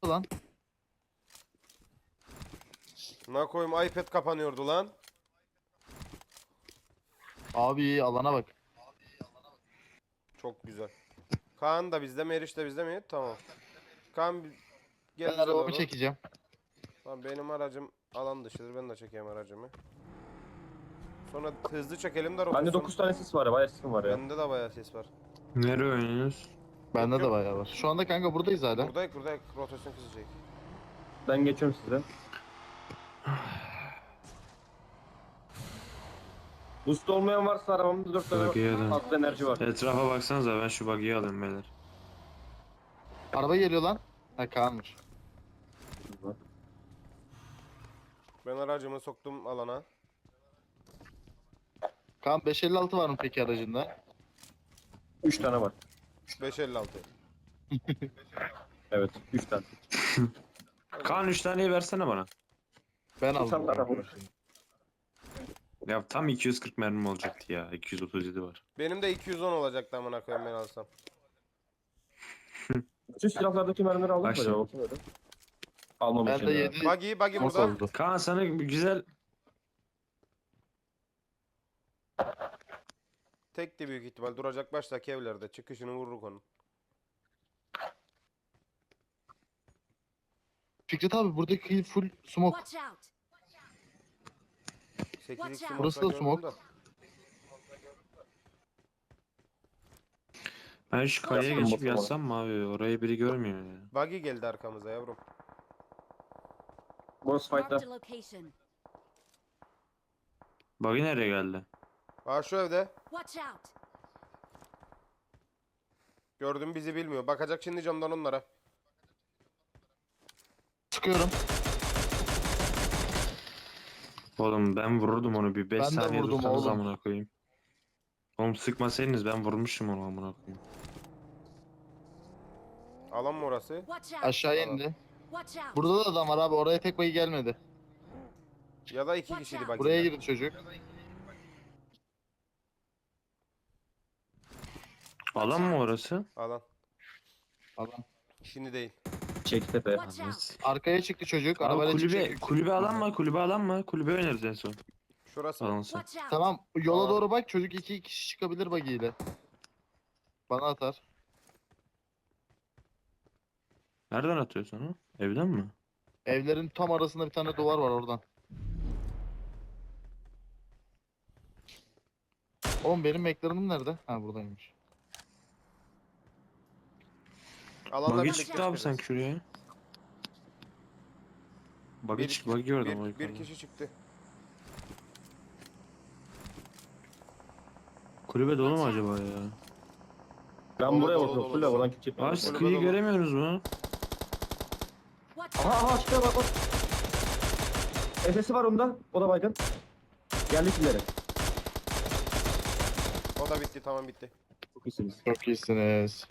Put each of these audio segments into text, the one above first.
lan. Ne koyayım, iPad kapanıyordu lan. Abi alana bak. Çok güzel. Kaan da bizde mi, Eriş de bizde mi? Tamam. Kaan gel Ben bize arabamı doğru. çekeceğim. Tamam, benim aracım alan dışıdır. Ben de çekeyim aracımı. Sonra hızlı çekelim de Bende rotasyon. 9 tane sis var ya. Bayağı sisim var ya. Bende de bayağı ses var. Nereye oynuyoruz? Bende Yok, de yok. bayağı var. Şu anda kanka buradayız hala. Buradayız. Rotasyon kızacak. Ben geçiyorum size. Boost olmayan varsa arabamda 4 tane Buggy'ye dön. fazla enerji var. Etrafa baksanıza, ben şu buggy'yi alayım beyler. Araba geliyor lan. Ha Kaan'mış. Ben aracımı soktum alana. Kaan 556 var mı peki aracında? 3 tane var. 556. Evet 3 tane. Kaan 3 taneyi versene bana. Ben Tam aldım. araba olur. Ya tam 240 mermim olacaktı ya. 237 var. Benim de 210 olacaktı amına koyayım ben alsam. Bütün silahlardaki mermileri aldın mı Bak acaba? şimdi. Bakın öyle. Almamışım Ben de ya. 7 Buggy mos burada. oldu. Kaan sana güzel... Tekti büyük ihtimal. Duracak baştaki evlerde. Çıkışını vururuk onun. Fikret abi buradaki full smoke. Watch out! 8x out. Burası da smoke. Ben şu kayaya Yatsam geçip bakalım. yatsam mı abi? Orayı biri görmüyor ya. Buggy geldi arkamıza yavrum. Boss Marked fight'ta. a location. Buggy nereye geldi? Aa, şu evde. Watch out! Gördüm, bizi bilmiyor. Bakacak şimdi camdan onlara. Sıkıyorum. Oğlum ben vururdum onu, bir 5 Ben de saniye vurdum dursanız oğlum. amına koyayım. Oğlum sıkmasaydınız ben vurmuşum onu amına koyayım. Alan mı orası? Watch out! Aşağıya indi. Watch out! Burada da adam var abi. Oraya tek bayı gelmedi. Ya da 2 kişiydi buggy. Buraya girdi çocuk. Alan mı orası? Alan. Adam. Şimdi değil. Çektepe. Watch out! Arkaya çıktı çocuk. Abi Arabayla kulübe, çıkacak. kulübe alan mı? Kulübe alan mı? Kulübe oynarız en son. Şurası. Alansa. Watch out! Tamam yola Aa. doğru bak. Çocuk 2 kişi çıkabilir buggy ile. Bana atar. Nereden atıyorsun onu? Evden mi? Evlerin tam arasında bir tane duvar var oradan. Oğlum benim McLaren'ım nerede? Ha buradaymış. Alanla Buggy birlikte çıktı abi çıkacağız. sanki şuraya. Buggy Bir- çıktı, buggy gördüm o Bir yukarıda. kişi çıktı. Kulübe dolu mu acaba ya? Ben Dolu, buraya dolu, bakıyorum. dolu, Full dolu. oradan kitçip. Abi Kulübe sıkıyı dolu. göremiyoruz mu? Watch out! Aha çıkıyor bak bak. Efesi var onda. O da baygın. Geldik ileri. O da bitti, tamam bitti. Çok iyisiniz. Çok iyisiniz.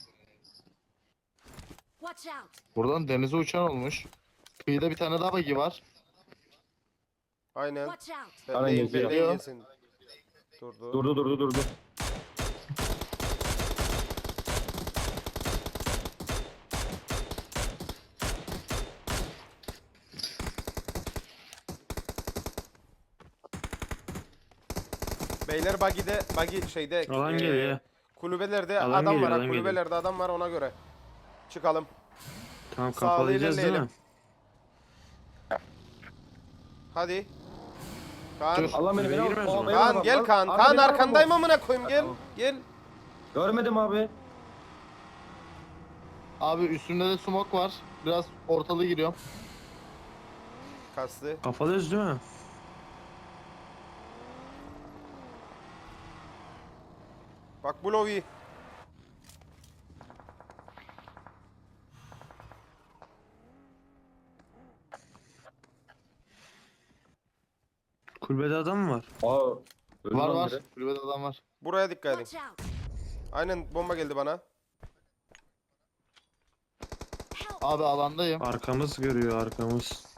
Watch out! Buradan denize uçan olmuş. Kıyıda bir tane daha buggy var. Aynen. Watch out! Sen Aynen, neyin geziyor. neyin yesin? Durdu. Durdu. Beyler buggy şeyde Alan eee, geliyor. kulübelerde Alan adam geliyor, var. alan Kulübelerde adam var, ona göre. Çıkalım. Tamam Sağlı kapalayacağız değil mi? ilerleyelim. Hadi. Kaan. Dur. Allah beni Kulübeye beni girmez al. mi? Beni Kaan al, gel al. Kaan. Abi, Kaan beni al, arkandayım al. amına koyayım, gel. Tamam. Gel. Görmedim abi. Abi üstünde de smoke var. Biraz ortalığı giriyor. Kastı. Kafalıyoruz değil mi? Bak bu lovi. Kulübede adam mı var? Aa. öldü Var lan var. biri. Kulübede adam var. Buraya dikkat edin. Watch out! Aynen, bomba geldi bana. Help! Abi alandayım. Arkamız görüyor, arkamız.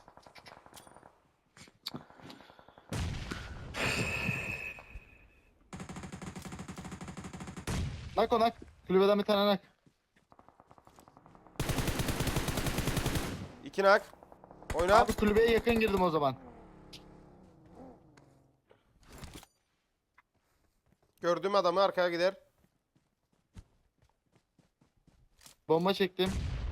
Nak o nak. Kulübeden bir tane nak. İki nak. Oyna. Abi kulübeye yakın girdim o zaman. Gördüğüm adamı arkaya gider. Bomba çektim.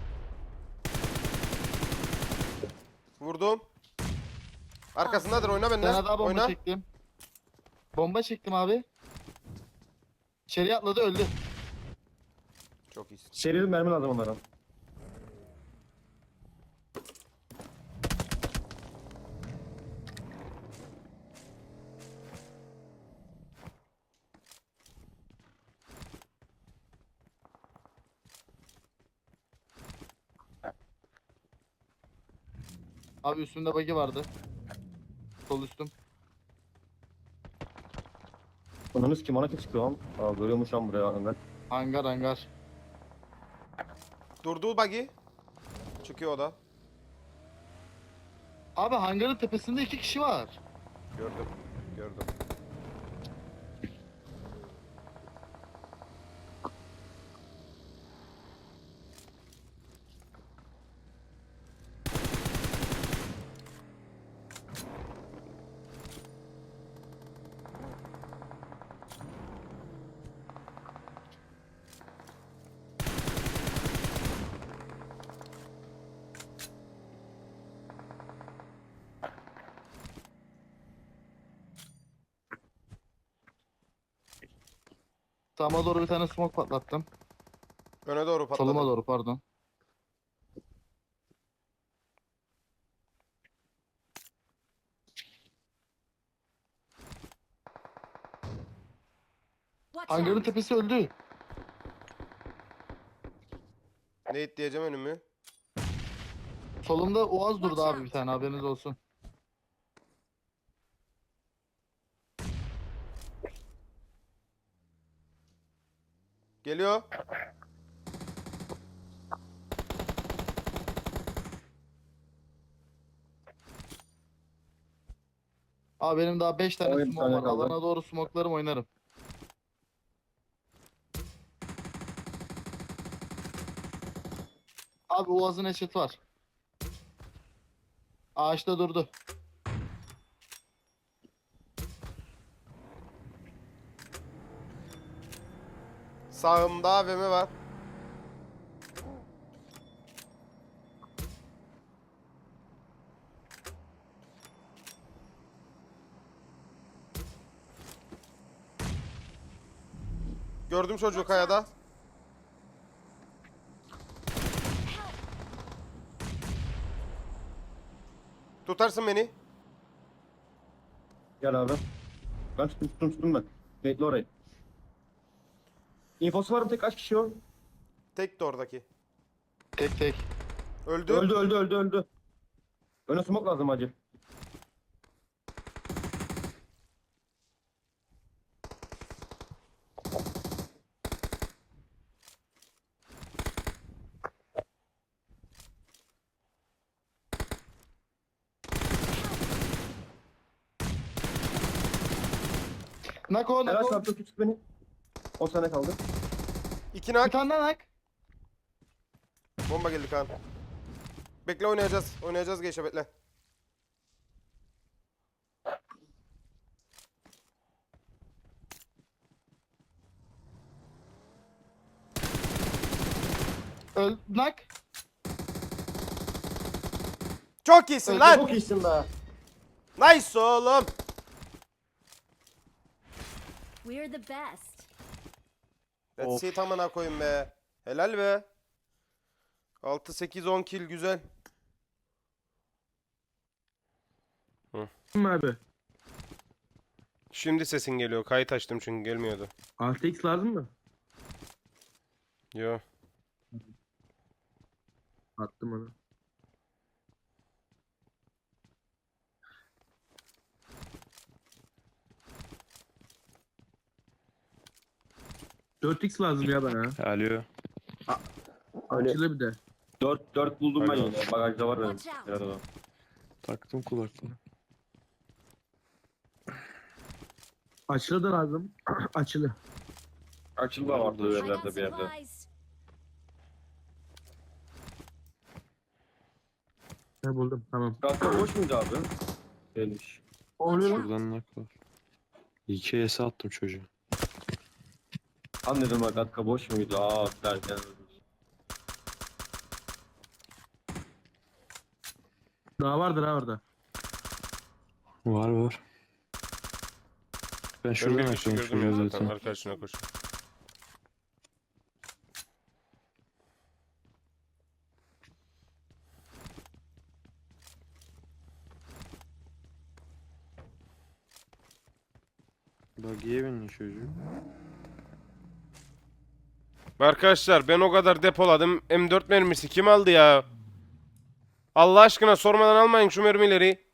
Vurdum. Arkasındadır, oyna Bir benden. tane daha bomba Oyna. çektim. Bomba çektim abi. İçeri atladı öldü. Çok iyisin. Serili mermi lazım onlara. Abi üstümde bug'i vardı. Sol üstüm. Ananız kim? Bana kim çıkıyor lan? Aa, görüyormuş lan buraya Ömer. Hangar hangar. Durdu buggy. Çıkıyor o da. Abi hangarın tepesinde 2 kişi var. Gördüm. Gördüm. Sağıma doğru bir tane smoke patlattım. Öne doğru patladı. Soluma doğru pardon. Watch Hangarın out! tepesi öldü. Ne diyeceğim önümü. Solumda Oğaz durdu Watch abi out. bir tane haberiniz olsun. Geliyor. Abi benim daha 5 tane Oyun smoke var. tane kaldı. Alana doğru smoke'larım oynarım. Abi Oğaz'ın eşit var. Ağaçta durdu. Sağımda AVM var. Gördüm çocuğu kayada. Tutarsın beni. Gel abi. Ben tuttum ben. Bekle orayı. İnfosu var mı? Tek kaç kişi o? Tek de oradaki. Tek tek. Öldü. Öldü. Öne smoke lazım hacı. Nako Helal nako. çarptı tut beni. 10 sene kaldı. İki Bir nak. tane daha nak. Bomba geldi Kaan. Bekle, oynayacağız. Oynayacağız Geyşe, bekle. Nak. Çok iyisin Öldü. lan. Çok iyisin be. Nice oğlum. We're the best. Let's see tamına koyayım be. Helal be. 6 8 10 kill güzel. Abi. Şimdi sesin geliyor. Kayıt açtım çünkü gelmiyordu. 6x lazım mı? Yo. Attım onu. ...4x lazım ya bana. Alo. Açılı bir de. 4 buldum ben Pardon. yine. Bagajda var benim. Watch out. Biraz adam. Taktım kulaklığı. Açılı da lazım. Açılı. Açıldı ama I got yerlerde bir yerde. supplies. Ne buldum tamam. Kanka boş muydu abi? Gelmiş. Oluyor lan. Buradan nak var. 2 ES attım çocuğa. Anladım bak kanka boş muydu? Aa derken. Daha vardır ha orada. Var var. Ben Ben şuradan bir kişi açıyorum gördüm ya şuraya zaten. zaten. Arkadaşına koş. Buggy'ye bindi çocuğu. Arkadaşlar ben o kadar depoladım. M4 mermisi kim aldı ya? Allah aşkına sormadan almayın şu mermileri.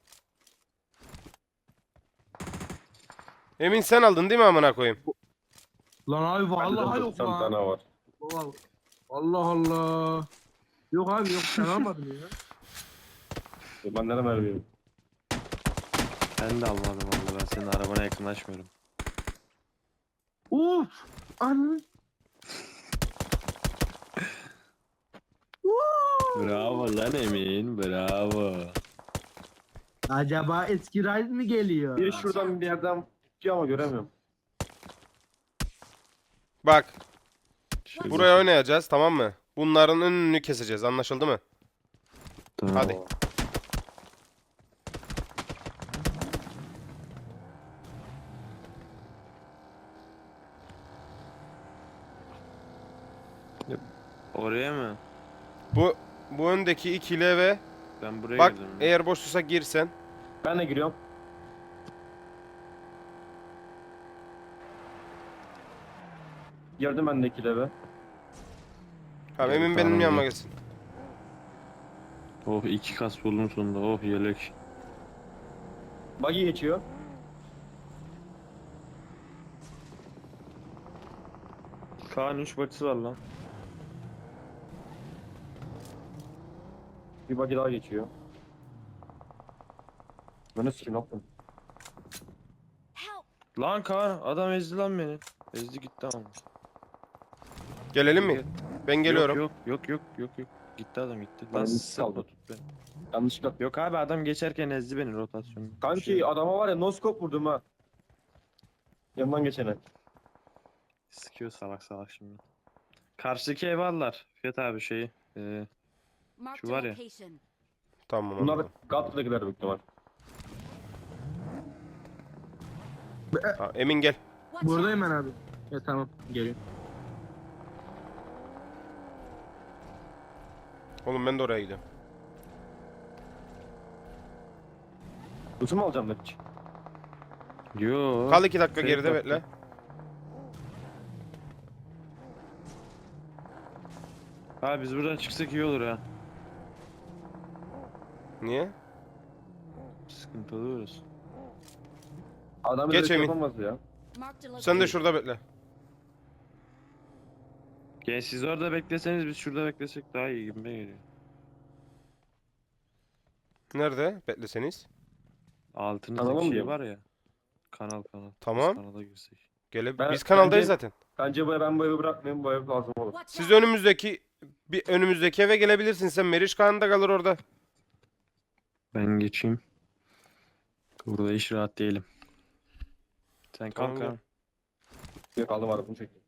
Emin sen aldın değil mi amına koyayım? Lan abi vallahi yok 90 lan. tane var. Vallahi- Allah Allah. Yok abi yok sen almadın ya. Ben nereye vermiyorum? Ben de almadım valla, ben senin arabana yakınlaşmıyorum. Uf. Anı. Bravo lan Emin, bravo. Acaba eski Rise mi geliyor? Biri şuradan bir yerden tutuyor ama göremiyorum. Bak Şöyle buraya oynayacağız tamam mı? Bunların önünü keseceğiz anlaşıldı mı? Tamam. Hadi. Oraya mı? Bu öndeki ikili eve Ben buraya bak girdim. eğer boşluksa girsen. Ben de giriyorum. Girdim ben de ikili eve. Tamam Evet, Emin benim tamam, yanıma iyi. gelsin. Oh 2 kas buldum sonunda, oh yelek. Buggy geçiyor. Kaan 3 batisi var lan. Bir buggy daha geçiyor. Ben de sikim yaptım. Help! Lan Kaan adam ezdi lan beni. Ezdi gitti ama. Gelelim mi? Ben geliyorum. Yok. Gitti adam gitti. Ben Lan risk sıkma aldım. tut beni. Yanlışlıkla. Yok abi adam geçerken ezdi beni rotasyonu. Kanki adama var ya no scope vurdum ha. Yanından geçene. Sıkıyor salak salak şimdi. Karşıdaki ev aldılar. Fiyat abi şeyi. Marked Şu a var ya. location. Tamam Bunlar anladım. Gatlı'dakiler büyük ihtimal. Ha, Emin gel. Watch Buradayım out! ben abi. Ya tamam geliyorum. Oğlum ben de oraya gidiyorum. Lütfen mu alacağım ben hiç? Yo. Kal 2 dakika Şey geride yok. bekle. Abi biz buradan çıksak iyi olur ha. Niye? Sıkıntılı oluruz. Adam Geç öyle şey Emin. yapamaz ya. Marked a Sen de location. şurada bekle. Genç siz orada bekleseniz biz şurada beklesek daha iyi gibi geliyor. Nerede? Bekleseniz. Altınızda Kanala mı şey diyorum? var ya. Kanal. Biz Tamam. kanala girsek. Biz kanaldayız bence- zaten. Bence ben bu evi bırakmayayım, bu ev lazım olur. Watch Siz out! önümüzdeki eve gelebilirsin. Sen Meriç Kağan da kalır orada. Ben geçeyim. Burada iş rahat değilim. Sen Tamam, kalk gel. ha. Yok aldım arabamı çektim.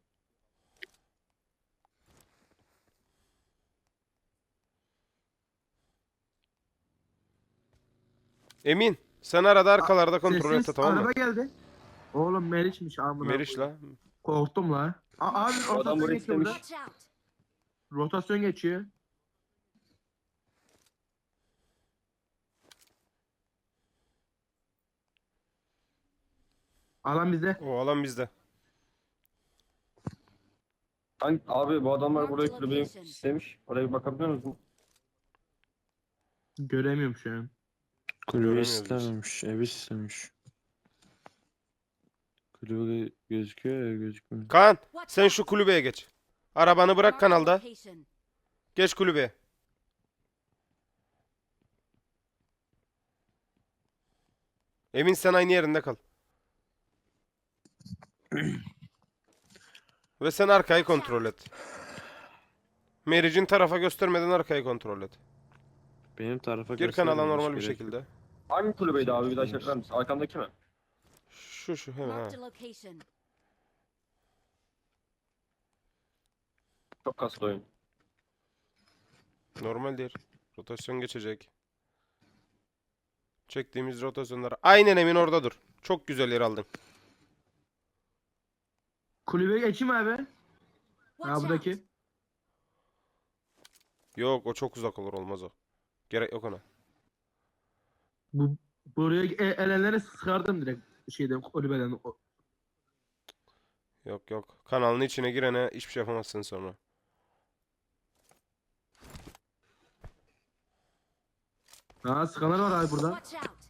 Emin. Sen arada arkalarda kontrol et Sessiz tamam mı? araba geldi. Oğlum Meriç'miş amına. Meriç koyayım. la. Korktum la. Abi Adam rotasyon burayı geçiyor burada. istemiş. Watch out! Rotasyon geçiyor. Alan bizde. O alan bizde. Abi bu adamlar Marked burayı kulübeyi location. istemiş. Oraya bir bakabiliyor musun? Göremiyorum şu an. Kulübe Göremiyoruz biz. istememiş. Ev istemiş. Kulübe gözüküyor ya gözükmüyor. Kaan Watch sen out! şu kulübeye geç. Arabanı bırak Marked a kanalda. location. Geç kulübeye. Emin sen aynı yerinde kal. Ve sen arkayı kontrol et. Meriç'in tarafa göstermeden arkayı kontrol et. Benim tarafa Gir göstermeyin, kanala hiç normal bir gerek yok. şekilde. Hangi kulübeydi abi? Bir daha çeker misin? Arkamdaki mi? Şu hemen ha. Marked a location. Çok kaslı oyun. Normaldir. Rotasyon geçecek. Çektiğimiz rotasyonlar. Aynen Emin orada dur. Çok güzel yer aldın. Kulübe geçeyim abi. Ha Watch out. buradaki. Yok o çok uzak olur olmaz o. Gerek yok ona. Buraya elenlere sıkardım direkt şeyden kulübeden. Yok yok. Kanalın içine girene hiçbir şey yapamazsın sonra. Ha sıkanlar var abi burada. Watch out.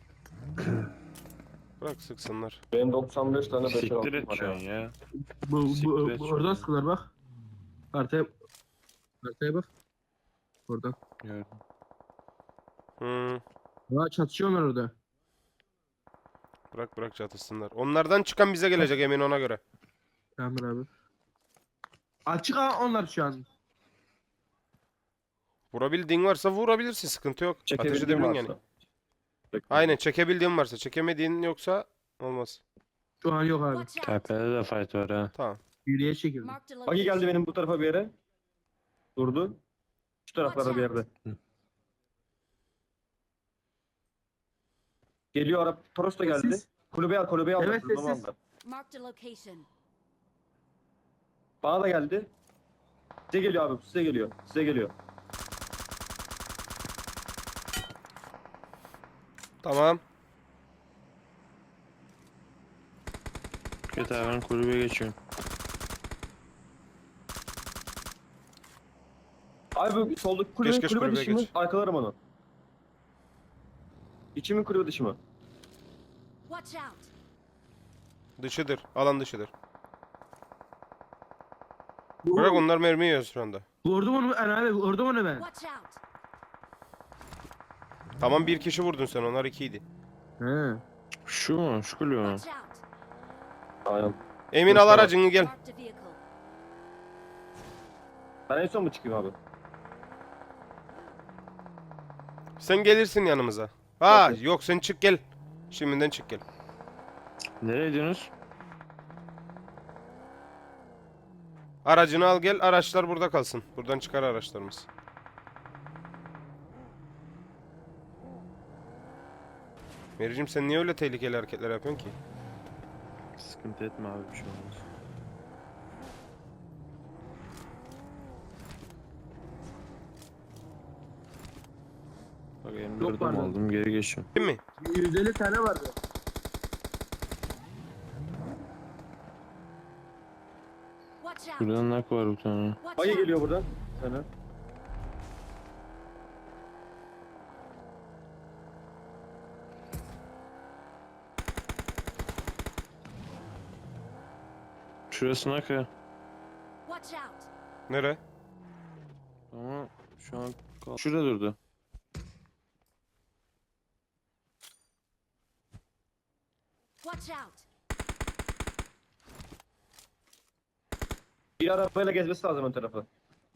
Bırak sıksınlar. Benim 95 tane 5 Siktir et şu an ya. Siktir et Oradan şunu. sıkılar bak. Haritaya bak. Oradan. Gördüm. Hmm. Ha çatışıyorlar orada. Bırak çatışsınlar. Onlardan çıkan bize gelecek Emin ona göre. Tamam abi. Açık ha onlar şu an. Vurabildiğin varsa vurabilirsin. Sıkıntı yok. Ateş Çekebildiğim edebilin varsa. yani. Aynen çekebildiğin varsa. Çekemediğin yoksa olmaz. Şu an yok abi. Watch out. Tepede de fight var ha. Tamam. Yürüye çekildi. Marked a Bagi geldi location. benim bu tarafa bir yere. Durdu. Şu taraflarda bir yerde. Geliyor Arap. Toros da geldi. Sessiz. Kulübeye al, kulübeye al. Evet, Kulübeye sessiz. al. Marked a location. Bana da geldi. Size geliyor abi, size geliyor. Size geliyor. Tamam. Fikret abi ben kulübe geçiyorum. Abi bu soldaki kulübe, Geç, kulübe kulübeye dışı mı? geç. Arkalarım onu. İçi mi kulübe dışı mı? Watch out. Dışıdır. Alan dışıdır. Bırak onlar mermi yiyor şu anda. Vurdum onu ben abi. Vurdum onu ben. Watch out. Tamam bir kişi vurdun sen. Onlar ikiydi. He. Şu mu? Şu kulübe mi? Watch out. Aynen. Emin al aracını gel. Marked a vehicle. Ben en son mu çıkayım abi? Sen gelirsin yanımıza. Ha Okey. yok sen çık gel. Şimdiden çık gel. Nereye gidiyorsunuz? Aracını al gel. Araçlar burada kalsın. Buradan çıkar araçlarımız. Mericim sen niye öyle tehlikeli hareketler yapıyorsun ki? Sıkıntı etme abi, bir şey olmaz. Bak M4'üm pardon. aldım, geri geçiyorum. Değil mi? 150 tane vardı. Watch out. Buradan nak var bir tane. Watch Bagi out. geliyor buradan. Sana. Şurası nak ha. Watch out. Nere? Ama şu an şurada durdu. Watch out. Bir arabayla gezmesi lazım ön tarafı.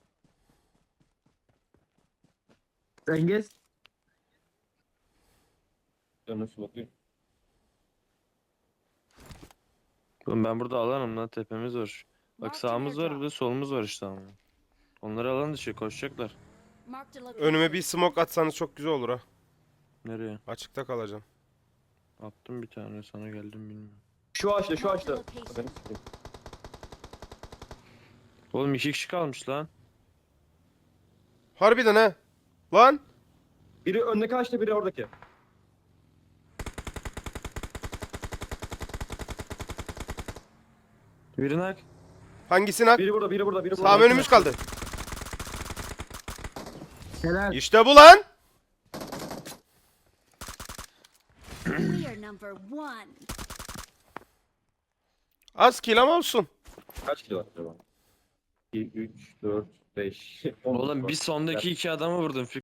Sen gez. Dönüyorsun bakayım. Oğlum ben burada alanım lan, tepemiz var. Bak Marked sağımız var, bir airdrop. de solumuz var işte ama. Onları alan dışı koşacaklar. Marked a location. Önüme bir smoke atsanız çok güzel olur ha. Nereye? Açıkta kalacağım. Attım bir tane, sana geldim bilmiyorum. Şu ağaçta, şu Marked ağaçta. location. Benim sikeyim. Oğlum 2 kişi kalmış lan. Harbiden ha. Lan. Biri öndeki ağaçta, biri oradaki. Biri nak. Hangisini hak? Biri burada, biri burada, biri burada. Tamam önümüz kaldı. Helal. İşte bu lan. We are number one. Az kill ama olsun. Kaç kilo var acaba? 2, 3, 4, 5. Oğlum bir sondaki 2 adamı vurdum.